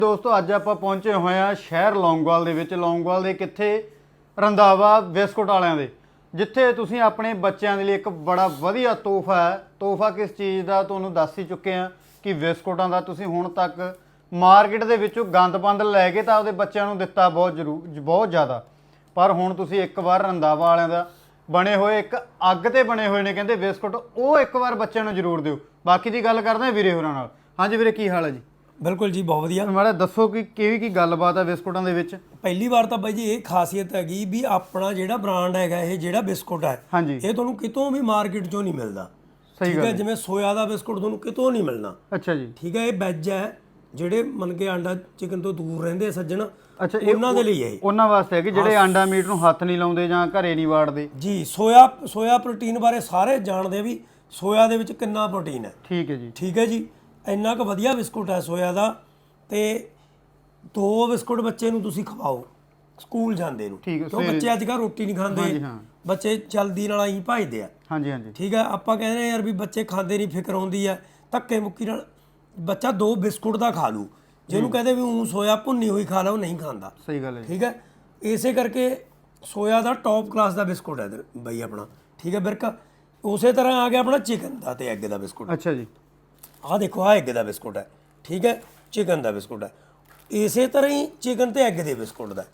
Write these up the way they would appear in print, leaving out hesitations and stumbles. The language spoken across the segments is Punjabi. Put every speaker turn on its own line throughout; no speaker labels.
ਦੋਸਤੋ ਅੱਜ ਆਪਾਂ ਪਹੁੰਚੇ ਹੋਏ ਆ ਸ਼ਹਿਰ ਲੌਂਗੋਵਾਲ ਦੇ ਵਿੱਚ। ਲੌਂਗੋਵਾਲ ਦੇ ਕਿੱਥੇ? ਰੰਧਾਵਾ ਬਿਸਕੁਟ ਵਾਲਿਆਂ ਦੇ, ਜਿੱਥੇ ਤੁਸੀਂ ਆਪਣੇ ਬੱਚਿਆਂ ਦੇ ਲਈ ਇੱਕ ਬੜਾ ਵਧੀਆ ਤੋਹਫਾ ਹੈ। ਤੋਹਫਾ ਕਿਸ ਚੀਜ਼ ਦਾ ਤੁਹਾਨੂੰ ਦੱਸ ਹੀ ਚੁੱਕੇ ਆ ਕਿ ਬਿਸਕੁਟਾਂ ਦਾ। ਤੁਸੀਂ ਹੁਣ ਤੱਕ ਮਾਰਕੀਟ ਦੇ ਵਿੱਚੋਂ ਗੰਦ ਲੈ ਕੇ ਤਾਂ ਆਪਦੇ ਬੱਚਿਆਂ ਨੂੰ ਦਿੱਤਾ ਬਹੁਤ ਜ਼ਿਆਦਾ, ਪਰ ਹੁਣ ਤੁਸੀਂ ਇੱਕ ਵਾਰ ਰੰਧਾਵਾ ਵਾਲਿਆਂ ਦਾ ਬਣੇ ਹੋਏ ਇੱਕ ਅੱਗ ਤੇ ਬਣੇ ਹੋਏ ਨੇ ਕਹਿੰਦੇ ਬਿਸਕੁਟ, ਉਹ ਇੱਕ ਵਾਰ ਬੱਚਿਆਂ ਨੂੰ ਜ਼ਰੂਰ ਦਿਓ। ਬਾਕੀ ਦੀ ਗੱਲ ਕਰਦੇ ਹਾਂ ਵੀਰੇ ਹੋਰਾਂ ਨਾਲ। ਹਾਂਜੀ ਵੀਰੇ, ਕੀ ਹਾਲ ਹੈ ਜੀ?
ਬਿਲਕੁਲ ਜੀ, ਬਹੁਤ ਵਧੀਆ।
ਮਾੜਾ ਦੱਸੋ ਕਿ ਕੀ ਗੱਲਬਾਤ ਹੈ ਬਿਸਕੁਟਾਂ ਦੇ ਵਿੱਚ?
ਪਹਿਲੀ ਵਾਰ ਤਾਂ ਬਾਈ ਜੀ ਇਹ ਖਾਸੀਅਤ ਹੈਗੀ ਵੀ ਆਪਣਾ ਜਿਹੜਾ ਬ੍ਰਾਂਡ ਹੈਗਾ, ਇਹ ਜਿਹੜਾ ਬਿਸਕੁਟ ਹੈ
ਹਾਂਜੀ,
ਇਹ ਤੁਹਾਨੂੰ ਕਿਤੋਂ ਵੀ ਮਾਰਕੀਟ 'ਚੋਂ ਨਹੀਂ ਮਿਲਦਾ।
ਸਹੀ ਗੱਲ ਹੈ।
ਜਿਵੇਂ ਸੋਇਆ ਦਾ ਬਿਸਕੁਟ ਤੁਹਾਨੂੰ ਕਿਤੋਂ ਨਹੀਂ ਮਿਲਣਾ।
ਅੱਛਾ ਜੀ,
ਠੀਕ ਹੈ। ਇਹ ਵੈਜ ਹੈ, ਜਿਹੜੇ ਮੰਨ ਕੇ ਆਂਡਾ ਚਿਕਨ ਤੋਂ ਦੂਰ ਰਹਿੰਦੇ ਆ ਸੱਜਣ,
ਅੱਛਾ
ਉਹਨਾਂ ਦੇ ਲਈ ਇਹ
ਉਹਨਾਂ ਵਾਸਤੇ ਹੈ ਕਿ ਜਿਹੜੇ ਆਂਡਾ ਮੀਟ ਨੂੰ ਹੱਥ ਨਹੀਂ ਲਾਉਂਦੇ ਜਾਂ ਘਰੇ ਨਹੀਂ ਵਾੜਦੇ
ਜੀ। ਸੋਇਆ ਪ੍ਰੋਟੀਨ ਬਾਰੇ ਸਾਰੇ ਜਾਣਦੇ ਆ ਵੀ ਸੋਇਆ ਦੇ ਵਿੱਚ ਕਿੰਨਾ ਪ੍ਰੋਟੀਨ ਹੈ।
ਠੀਕ ਹੈ ਜੀ,
ਠੀਕ ਹੈ ਜੀ। ਇੰਨਾ ਕੁ ਵਧੀਆ ਬਿਸਕੁਟ ਹੈ ਸੋਇਆ ਦਾ। ਤੇ 2 ਬਿਸਕੁਟ ਬੱਚੇ ਨੂੰ ਤੁਸੀਂ ਖਵਾਓ ਸਕੂਲ ਜਾਂਦੇ ਨੂੰ, ਕਿਉਂ ਬੱਚੇ ਅੱਜ ਕੱਲ੍ਹ ਰੋਟੀ ਨਹੀਂ ਖਾਂਦੇ, ਬੱਚੇ ਜਲਦੀ ਨਾਲ ਆਈ ਭਜਦੇ ਆ।
ਹਾਂਜੀ ਹਾਂਜੀ,
ਠੀਕ ਹੈ। ਆਪਾਂ ਕਹਿੰਦੇ ਯਾਰ ਵੀ ਬੱਚੇ ਖਾਂਦੇ ਨਹੀਂ, ਫਿਕਰ ਆਉਂਦੀ ਹੈ, ਧੱਕੇ ਮੁੱਕੀ ਨਾਲ ਬੱਚਾ 2 ਬਿਸਕੁਟ ਦਾ ਖਾ ਲੂ। ਜਿਹਨੂੰ ਕਹਿੰਦੇ ਵੀ ਉਹ ਸੋਇਆ ਭੁੰਨੀ ਹੋਈ ਖਾ ਲਾ, ਉਹ ਨਹੀਂ ਖਾਂਦਾ।
ਸਹੀ ਗੱਲ ਹੈ।
ਠੀਕ ਹੈ। ਇਸੇ ਕਰਕੇ ਸੋਇਆ ਦਾ ਟੌਪ ਕਲਾਸ ਦਾ ਬਿਸਕੁਟ ਹੈ ਬਈ ਆਪਣਾ। ਠੀਕ ਹੈ ਬਿਰਕ। ਉਸੇ ਤਰ੍ਹਾਂ ਆ ਗਿਆ ਆਪਣਾ ਚਿਕਨ ਦਾ ਤੇ ਐਗ ਦਾ ਬਿਸਕੁਟ।
ਅੱਛਾ ਜੀ,
ਆਹ ਦੇਖੋ, ਆਹ ਐਗ ਦਾ ਬਿਸਕੁਟ ਹੈ। ਠੀਕ ਹੈ। ਚਿਕਨ ਦਾ ਬਿਸਕੁਟ ਹੈ। ਇਸੇ ਤਰ੍ਹਾਂ ਹੀ ਚਿਕਨ ਤੇ ਐਗ ਦੇ ਬਿਸਕੁਟ ਦਾ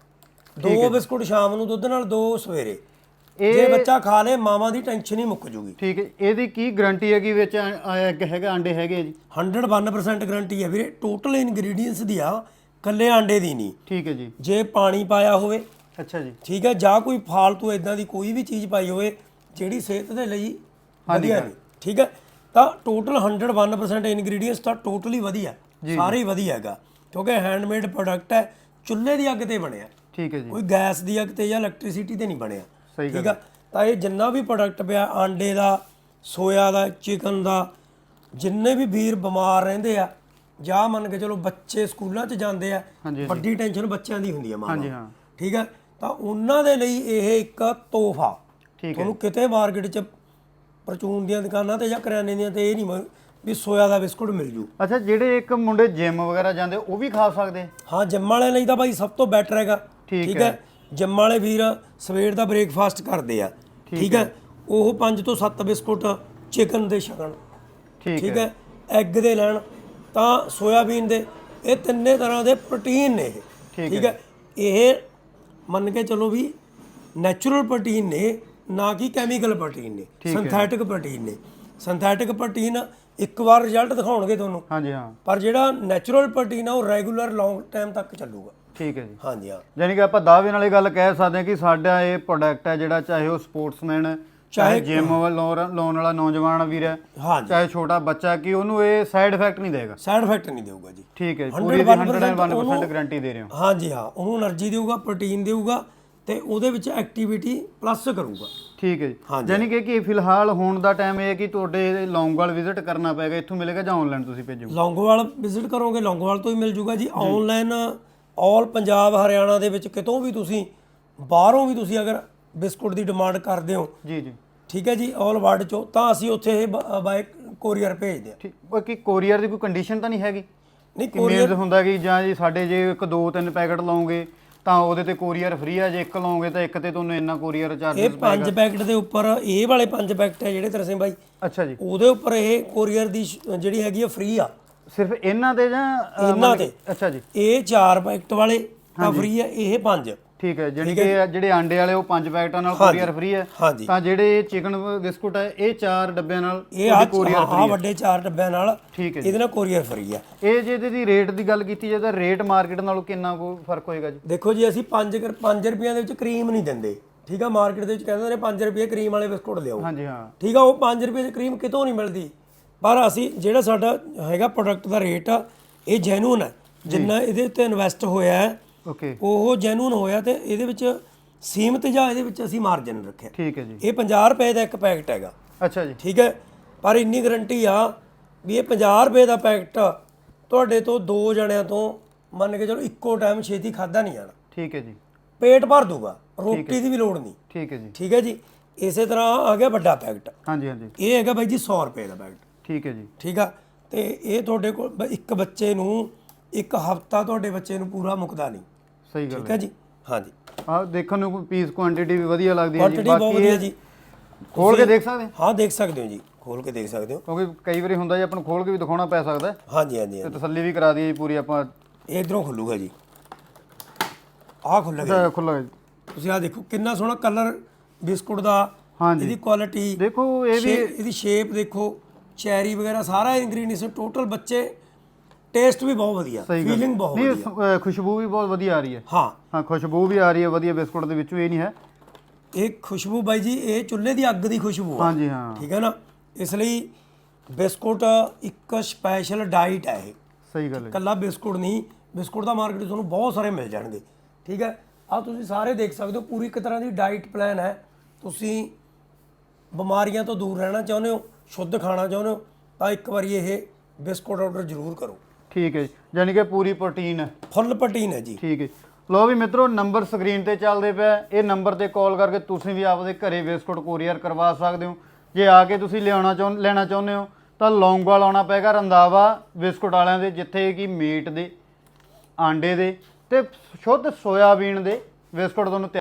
2 ਬਿਸਕੁਟ ਸ਼ਾਮ ਨੂੰ ਦੁੱਧ ਨਾਲ, 2 ਸਵੇਰੇ। ਜੇ ਬੱਚਾ ਖਾ ਲੇ ਮਾਵਾਂ ਦੀ ਟੈਨਸ਼ਨ ਹੀ ਮੁੱਕ ਜੂਗੀ।
ਠੀਕ ਹੈ। ਇਹਦੀ ਕੀ ਗਾਰੰਟੀ ਹੈ ਕਿ ਵਿੱਚ ਐਗ ਹੈਗਾ, ਆਂਡੇ ਹੈਗੇ ਜੀ?
101% ਗਾਰੰਟੀ ਹੈ ਵੀਰੇ। ਟੋਟਲ ਇਨਗਰੀਡੀਅੰਟਸ ਦੀ ਆ, ਕੱਲੇ ਆਂਡੇ ਦੀ ਨਹੀਂ।
ਠੀਕ ਹੈ ਜੀ।
ਜੇ ਪਾਣੀ ਪਾਇਆ ਹੋਵੇ,
ਅੱਛਾ ਜੀ,
ਠੀਕ ਹੈ, ਜਾਂ ਕੋਈ ਫਾਲਤੂ ਇਦਾਂ ਦੀ ਕੋਈ ਵੀ ਚੀਜ਼ ਪਾਈ ਹੋਵੇ ਜਿਹੜੀ ਸਿਹਤ ਦੇ ਲਈ ਵਧੀਆ ਨਹੀਂ, ਠੀਕ ਹੈ, ਤਾਂ ਟੋਟਲ 101% ਇਨਗਰੀਡੀਅੰਟਸ ਤਾਂ ਟੋਟਲੀ ਵਧੀਆ, ਸਾਰੇ ਹੀ ਵਧੀਆ ਹੈਗਾ। ਕਿਉਂਕਿ ਹੈਂਡਮੇਡ ਪ੍ਰੋਡਕਟ ਹੈ, ਚੁੱਲ੍ਹੇ ਦੀ ਅੱਗ ਤੇ ਬਣਿਆ।
ਠੀਕ ਹੈ ਜੀ,
ਕੋਈ ਗੈਸ ਦੀ ਅੱਗ ਤੇ ਜਾਂ ਇਲੈਕਟ੍ਰਿਸਿਟੀ ਤੇ ਨਹੀਂ ਬਣਿਆ।
ਸਹੀ
ਠੀਕ ਆ। ਤਾਂ ਇਹ ਜਿੰਨਾ ਵੀ ਪ੍ਰੋਡਕਟ ਪਿਆ, ਆਂਡੇ ਦਾ, ਸੋਇਆ ਦਾ, ਚਿਕਨ ਦਾ, ਜਿੰਨੇ ਵੀ ਵੀਰ ਬਿਮਾਰ ਰਹਿੰਦੇ ਆ ਜਾਂ ਮੰਨ ਕੇ ਚਲੋ ਬੱਚੇ ਸਕੂਲਾਂ 'ਚ ਜਾਂਦੇ ਆ, ਵੱਡੀ ਟੈਨਸ਼ਨ ਬੱਚਿਆਂ ਦੀ ਹੁੰਦੀ ਆ ਮਾਂ ਨੂੰ। ਠੀਕ ਹੈ। ਤਾਂ ਉਹਨਾਂ ਦੇ ਲਈ ਇਹ ਇੱਕ ਤੋਹਫਾ। ਤੁਹਾਨੂੰ ਕਿਤੇ ਮਾਰਕੀਟ 'ਚ ਪਰਚੂਨ ਦੀਆਂ ਦੁਕਾਨਾਂ ਤੇ ਜਾਂ ਕਰਿਆਨੇ ਦੀਆਂ ਤੇ ਇਹ ਨਹੀਂ ਵੀ ਸੋਇਆ ਦਾ ਬਿਸਕੁਟ ਮਿਲ ਜੂ।
ਅੱਛਾ, ਜਿਹੜੇ ਇੱਕ ਮੁੰਡੇ ਜਿਮ ਵਗੈਰਾ ਜਾਂਦੇ ਉਹ ਵੀ ਖਾ ਸਕਦੇ?
ਹਾਂ, ਜਿਮ ਵਾਲਿਆਂ ਲਈ ਤਾਂ ਭਾਈ ਸਭ ਤੋਂ ਬੈਟਰ ਹੈਗਾ। ਠੀਕ ਹੈ। ਜਿਮ ਵਾਲੇ ਵੀਰ ਸਵੇਰ ਦਾ ਬ੍ਰੇਕਫਾਸਟ ਕਰਦੇ ਆ। ਠੀਕ ਹੈ। ਉਹ 5 ਤੋਂ 7 ਬਿਸਕੁਟ ਚਿਕਨ ਦੇ ਛਕਣ। ਠੀਕ ਹੈ। ਐਗ ਦੇ ਲੈਣ ਤਾਂ ਸੋਇਆਬੀਨ ਦੇ, ਇਹ ਤਿੰਨੇ ਤਰ੍ਹਾਂ ਦੇ ਪ੍ਰੋਟੀਨ ਨੇ ਇਹ। ਠੀਕ ਹੈ। ਇਹ ਮੰਨ ਕੇ ਚਲੋ ਵੀ ਨੈਚੁਰਲ ਪ੍ਰੋਟੀਨ ਨੇ, ਨਾ ਕਿ ਕੈਮੀਕਲ ਪ੍ਰੋਟੀਨ ਨੇ, ਸਿੰਥੈਟਿਕ ਪ੍ਰੋਟੀਨ ਨੇ। ਸਿੰਥੈਟਿਕ ਪ੍ਰੋਟੀਨ ਇੱਕ ਵਾਰ ਰਿਜ਼ਲਟ ਦਿਖਾਉਣਗੇ ਤੁਹਾਨੂੰ।
ਹਾਂਜੀ ਹਾਂ।
ਪਰ ਜਿਹੜਾ ਨੈਚੁਰਲ ਪ੍ਰੋਟੀਨ ਆ ਉਹ ਰੈਗੂਲਰ ਲੌਂਗ ਟਾਈਮ ਤੱਕ ਚੱਲੂਗਾ।
ਠੀਕ ਹੈ ਜੀ।
ਹਾਂਜੀ ਹਾਂ।
ਯਾਨੀ ਕਿ ਆਪਾਂ ਦਾਅਵੇ ਨਾਲ ਇਹ ਗੱਲ ਕਹਿ ਸਕਦੇ ਹਾਂ ਕਿ ਸਾਡਾ ਇਹ ਪ੍ਰੋਡਕਟ ਹੈ ਜਿਹੜਾ, ਚਾਹੇ ਉਹ ਸਪੋਰਟਸਮੈਨ, ਚਾਹੇ ਜਿਮ ਲਾਉਣ ਵਾਲਾ ਨੌਜਵਾਨ ਵੀਰ ਹੈ, ਚਾਹੇ ਛੋਟਾ ਬੱਚਾ, ਕਿ ਉਹਨੂੰ ਇਹ ਸਾਈਡ ਇਫੈਕਟ ਨਹੀਂ ਦੇਗਾ।
ਸਾਈਡ ਇਫੈਕਟ ਨਹੀਂ ਦੇਊਗਾ ਜੀ।
ਠੀਕ ਹੈ। ਪੂਰੀ 101% ਗਾਰੰਟੀ ਦੇ ਰਹੇ ਹੋ।
ਹਾਂਜੀ ਹਾਂ। ਉਹਨੂੰ એનર્ਜੀ ਦੇਊਗਾ, ਪ੍ਰੋਟੀਨ ਦੇਊਗਾ ਤੇ ਉਹਦੇ ਵਿੱਚ ਐਕਟੀਵਿਟੀ ਪਲੱਸ ਕਰੂਗਾ। ਠੀਕ
ਹੈ ਜੀ। ਯਾਨੀ ਕਿ ਫਿਲਹਾਲ ਹੁਣ ਦਾ ਟਾਈਮ ਇਹ ਹੈ ਕਿ ਤੁਹਾਡੇ ਲੌਂਗੋਵਾਲ ਵਿਜ਼ਿਟ ਕਰਨਾ ਪਏਗਾ, ਇੱਥੋਂ ਮਿਲੇਗਾ ਜਾਂ ਆਨਲਾਈਨ ਤੁਸੀਂ ਭੇਜੋਗੇ?
ਲੌਂਗੋਵਾਲ ਵਿਜ਼ਿਟ ਕਰੋਗੇ, ਲੌਂਗੋਵਾਲ ਤੋਂ ਹੀ ਮਿਲ ਜੂਗਾ ਜੀ। ਆਨਲਾਈਨ ਆਲ ਪੰਜਾਬ, ਹਰਿਆਣਾ ਦੇ ਵਿੱਚ ਕਿਤੋਂ ਵੀ ਤੁਸੀਂ, ਬਾਹਰੋਂ ਵੀ ਤੁਸੀਂ ਅਗਰ ਬਿਸਕੁਟ ਦੀ ਡਿਮਾਂਡ ਕਰਦੇ ਹੋ
ਜੀ ਜੀ, ਠੀਕ
ਹੈ ਜੀ, ਆਲ ਵਰਲਡ ਚੋਂ, ਤਾਂ ਅਸੀਂ ਉੱਥੇ ਇਹ ਬਾਏ ਕੋਰੀਅਰ ਭੇਜਦੇ ਹਾਂ।
ਬਾਕੀ ਕੋਰੀਅਰ ਦੀ ਕੋਈ ਕੰਡੀਸ਼ਨ ਤਾਂ ਨਹੀਂ ਹੈਗੀ?
ਨਹੀਂ,
ਕੋਰੀਅਰ ਹੁੰਦਾ ਕਿ ਜਾਂ ਜੀ ਸਾਡੇ ਜੇ 1 2 3 ਪੈਕਟ ਲਾਓਗੇ ਤਾਂ ਉਹਦੇ ਤੇ ਕੋਰੀਅਰ ਫ੍ਰੀ ਆ, ਜੇ 1 ਲਾਓਗੇ ਤਾਂ 1 ਤੇ ਤੁਹਾਨੂੰ ਇੰਨਾ ਕੋਰੀਅਰ ਚਾਰਜਸ
ਇਹ 5 ਪੈਕਟ ਦੇ ਉੱਪਰ, ਇਹ ਵਾਲੇ 5 ਪੈਕਟ ਹੈ ਜਿਹੜੇ ਤਰਸੇ ਬਾਈ,
ਅੱਛਾ ਜੀ,
ਉਹਦੇ ਉੱਪਰ ਇਹ ਕੋਰੀਅਰ ਦੀ ਜਿਹੜੀ ਹੈਗੀ ਆ ਫ੍ਰੀ ਆ।
ਸਿਰਫ ਇਹਨਾਂ ਤੇ ਜਾਂ
ਇਹਨਾਂ ਤੇ? ਅੱਛਾ ਜੀ। ਇਹ 4 ਪੈਕਟ ਵਾਲੇ ਤਾਂ ਫ੍ਰੀ ਹੈ, ਇਹ 5। ਠੀਕ ਹੈ।
ਜਿਹੜੇ ਆਂਡੇ ਵਾਲੇ ਉਹ 5 ਪੈਕਟਾਂ ਨਾਲ ਕੋਰੀਅਰ ਫ੍ਰੀ ਹੈ, ਤਾਂ ਜਿਹੜੇ ਚਿਕਨ ਬਿਸਕੁਟ ਹੈ ਇਹ 4 ਡੱਬਿਆਂ ਨਾਲ
ਕੋਰੀਅਰ ਫ੍ਰੀ ਹੈ। ਵੱਡੇ 4 ਡੱਬਿਆਂ ਨਾਲ, ਠੀਕ ਹੈ, ਇਹਦੇ ਨਾਲ ਕੋਰੀਅਰ ਫ੍ਰੀ ਹੈ।
ਇਹ ਜੇ ਇਹਦੀ ਰੇਟ ਦੀ ਗੱਲ ਕੀਤੀ ਜਾਏ ਤਾਂ ਰੇਟ ਮਾਰਕੀਟ ਨਾਲੋਂ ਕਿੰਨਾ ਕੋ ਫਰਕ ਹੋਏਗਾ ਜੀ?
ਦੇਖੋ ਜੀ, ਅਸੀਂ 5 ਰੁਪਈਆਂ ਦੇ ਵਿੱਚ ਕਰੀਮ ਨਹੀਂ ਦਿੰਦੇ। ਠੀਕ ਆ। ਮਾਰਕੀਟ ਦੇ ਵਿੱਚ ਕਹਿੰਦੇ ਨੇ 5 ਰੁਪਏ ਕਰੀਮ ਵਾਲੇ ਬਿਸਕੁਟ ਲਿਆਓ। ਹਾਂਜੀ ਹਾਂ। ਠੀਕ ਆ। ਉਹ 5 ਰੁਪਏ ਦੀ ਕਰੀਮ ਕਿਤੋਂ ਨਹੀਂ ਮਿਲਦੀ। ਪਰ ਅਸੀਂ ਜਿਹੜਾ ਸਾਡਾ ਹੈਗਾ ਪ੍ਰੋਡਕਟ ਦਾ ਰੇਟ ਆ, ਇਹ ਜੈਨੂਨ ਹੈ। ਜਿੰਨਾ ਇਹਦੇ ਉੱਤੇ ਇਨਵੈਸਟ ਹੋਇਆ ਹੈ ਉਹ ਜੈਨੂਨ ਹੋਇਆ, ਤੇ ਇਹਦੇ ਵਿੱਚ ਸੀਮਤ ਜਾਂ ਇਹਦੇ ਵਿੱਚ ਅਸੀਂ ਮਾਰਜਨ ਰੱਖਿਆ। ਠੀਕ ਹੈ ਜੀ। ਇਹ 50 ਰੁਪਏ ਦਾ ਇੱਕ ਪੈਕਟ ਹੈਗਾ। ਅੱਛਾ ਜੀ। ਠੀਕ ਹੈ। ਪਰ ਇੰਨੀ ਗਾਰੰਟੀ ਆ ਵੀ ਇਹ 50 ਰੁਪਏ ਦਾ ਪੈਕਟ ਤੁਹਾਡੇ ਤੋਂ 2 ਜਣਿਆਂ ਤੋਂ ਮੰਨ ਕੇ ਚਲੋ ਇੱਕੋ ਟਾਈਮ ਛੇਤੀ ਖਾਧਾ ਨਹੀਂ ਜਾਣਾ। ਠੀਕ ਹੈ ਜੀ। ਪੇਟ ਭਰ ਦੂਗਾ, ਰੋਟੀ ਦੀ ਵੀ ਲੋੜ ਨਹੀਂ। ਠੀਕ ਹੈ ਜੀ। ਠੀਕ ਹੈ ਜੀ। ਇਸੇ ਤਰ੍ਹਾਂ ਆ ਗਿਆ ਵੱਡਾ ਪੈਕਟ। ਹਾਂਜੀ ਹਾਂਜੀ। ਇਹ ਹੈਗਾ ਬਾਈ ਜੀ 100 ਰੁਪਏ ਦਾ ਪੈਕਟ। ਠੀਕ ਹੈ ਜੀ। ਠੀਕ ਆ। ਤੇ ਇਹ ਤੁਹਾਡੇ ਕੋਲ ਇੱਕ ਬੱਚੇ ਨੂੰ ਇੱਕ ਹਫਤਾ ਤੁਹਾਡੇ ਬੱਚੇ ਨੂੰ ਪੂਰਾ ਮੁੱਕਦਾ ਨਹੀਂ।
ਸਹੀ ਗੱਲ
ਠੀਕ ਹੈ ਜੀ। ਹਾਂਜੀ,
ਆਹ ਦੇਖਣ ਨੂੰ ਪੀਸ ਕੁਆਂਟੀਟੀ ਵੀ ਵਧੀਆ ਲੱਗਦੀ ਹੈ ਜੀ।
ਕੁਆਂਟੀਟੀ ਬਹੁਤ ਵਧੀਆ ਜੀ।
ਖੋਲ ਕੇ ਦੇਖ ਸਕਦੇ
ਹਾਂ, ਦੇਖ ਸਕਦੇ ਹੋ ਜੀ, ਖੋਲ ਕੇ ਦੇਖ ਸਕਦੇ ਹੋ,
ਕਿਉਂਕਿ ਕਈ ਵਾਰੀ ਹੁੰਦਾ ਜੀ ਆਪਾਂ ਨੂੰ ਖੋਲ ਕੇ ਵੀ ਦਿਖਾਉਣਾ ਪੈ ਸਕਦਾ।
ਹਾਂਜੀ ਹਾਂਜੀ
ਤੇ ਤਸੱਲੀ ਵੀ ਕਰਾ ਦਈਏ ਜੀ ਪੂਰੀ ਆਪਾਂ।
ਇਹ ਇਧਰੋਂ ਖੁੱਲੂਗਾ ਜੀ, ਆਹ ਖੁੱਲ੍ਹੇਗਾ।
ਖੁੱਲਾ
ਤੁਸੀਂ ਆਹ ਦੇਖੋ ਕਿੰਨਾ ਸੋਹਣਾ ਕਲਰ ਬਿਸਕੁਟ ਦਾ,
ਹਾਂਜੀ
ਇਹਦੀ ਕੁਆਲਿਟੀ
ਦੇਖੋ, ਇਹ ਵੀ
ਇਹਦੀ ਸ਼ੇਪ ਦੇਖੋ, ਚੈਰੀ ਵਗੈਰਾ ਸਾਰਾ ਇੰਗਰੀਡੀਐਂਟਸ ਟੋਟਲ, ਬੱਚੇ ਟੇਸਟ ਵੀ ਬਹੁਤ ਵਧੀਆ, ਫੀਲਿੰਗ ਬਹੁਤ ਵਧੀਆ,
ਨਹੀਂ ਖੁਸ਼ਬੂ ਵੀ ਬਹੁਤ ਵਧੀਆ ਆ ਰਹੀ ਹੈ।
ਹਾਂ
ਖੁਸ਼ਬੂ ਵੀ ਆ ਰਹੀ ਹੈ ਵਧੀਆ ਬਿਸਕੁਟ ਦੇ ਵਿੱਚੋਂ, ਇਹ ਨਹੀਂ ਹੈ
ਇਹ ਖੁਸ਼ਬੂ ਬਾਈ ਜੀ, ਇਹ ਚੁੱਲ੍ਹੇ ਦੀ ਅੱਗ ਦੀ ਖੁਸ਼ਬੂ ਆ।
ਹਾਂਜੀ ਹਾਂ,
ਠੀਕ ਹੈ ਨਾ। ਇਸ ਲਈ ਬਿਸਕੁਟ ਇੱਕ ਸਪੈਸ਼ਲ ਡਾਈਟ ਹੈ ਇਹ।
ਸਹੀ ਗੱਲ ਹੈ।
ਇਕੱਲਾ ਬਿਸਕੁਟ ਨਹੀਂ, ਬਿਸਕੁਟ ਦਾ ਮਾਰਕੀਟ ਤੁਹਾਨੂੰ ਬਹੁਤ ਸਾਰੇ ਮਿਲ ਜਾਣਗੇ। ਠੀਕ ਹੈ, ਆਹ ਤੁਸੀਂ ਸਾਰੇ ਦੇਖ ਸਕਦੇ ਹੋ, ਪੂਰੀ ਇੱਕ ਤਰ੍ਹਾਂ ਦੀ ਡਾਈਟ ਪਲਾਨ ਹੈ। ਤੁਸੀਂ ਬਿਮਾਰੀਆਂ ਤੋਂ ਦੂਰ ਰਹਿਣਾ ਚਾਹੁੰਦੇ ਹੋ, ਸ਼ੁੱਧ ਖਾਣਾ ਚਾਹੁੰਦੇ ਹੋ, ਤਾਂ ਇੱਕ ਵਾਰੀ ਇਹ ਬਿਸਕੁਟ ਆਰਡਰ ਜ਼ਰੂਰ ਕਰੋ।
ਠੀਕ ਹੈ ਜੀ, ਯਾਨੀ ਕਿ ਪੂਰੀ ਪ੍ਰੋਟੀਨ ਹੈ,
ਫੁੱਲ ਪ੍ਰੋਟੀਨ ਹੈ ਜੀ।
ਠੀਕ ਹੈ। ਲੋ ਵੀ ਮਿੱਤਰੋ, ਨੰਬਰ ਸਕਰੀਨ ਤੇ ਚੱਲਦੇ ਪਿਆ, ਇਹ ਨੰਬਰ ਤੇ ਕਾਲ ਕਰਕੇ ਤੁਸੀਂ ਵੀ ਆਪਦੇ ਘਰੇ ਬਿਸਕੁਟ ਕੋਰੀਅਰ ਕਰਵਾ ਸਕਦੇ ਹੋ। ਜੇ ਆ ਕੇ ਤੁਸੀਂ ਲੈਣਾ ਚਾਹੁੰਦੇ ਹੋ ਤਾਂ ਲੌਂਗੋਵਾਲ ਆਉਣਾ ਪਏਗਾ, ਰੰਧਾਵਾ ਬਿਸਕੁਟ ਵਾਲਿਆਂ ਦੇ, ਜਿੱਥੇ ਕਿ ਮੀਟ ਦੇ, ਆਂਡੇ ਦੇ ਤੇ ਸ਼ੁੱਧ ਸੋਇਆਬੀਨ ਦੇ ਬਿਸਕੁਟ ਤੁਹਾਨੂੰ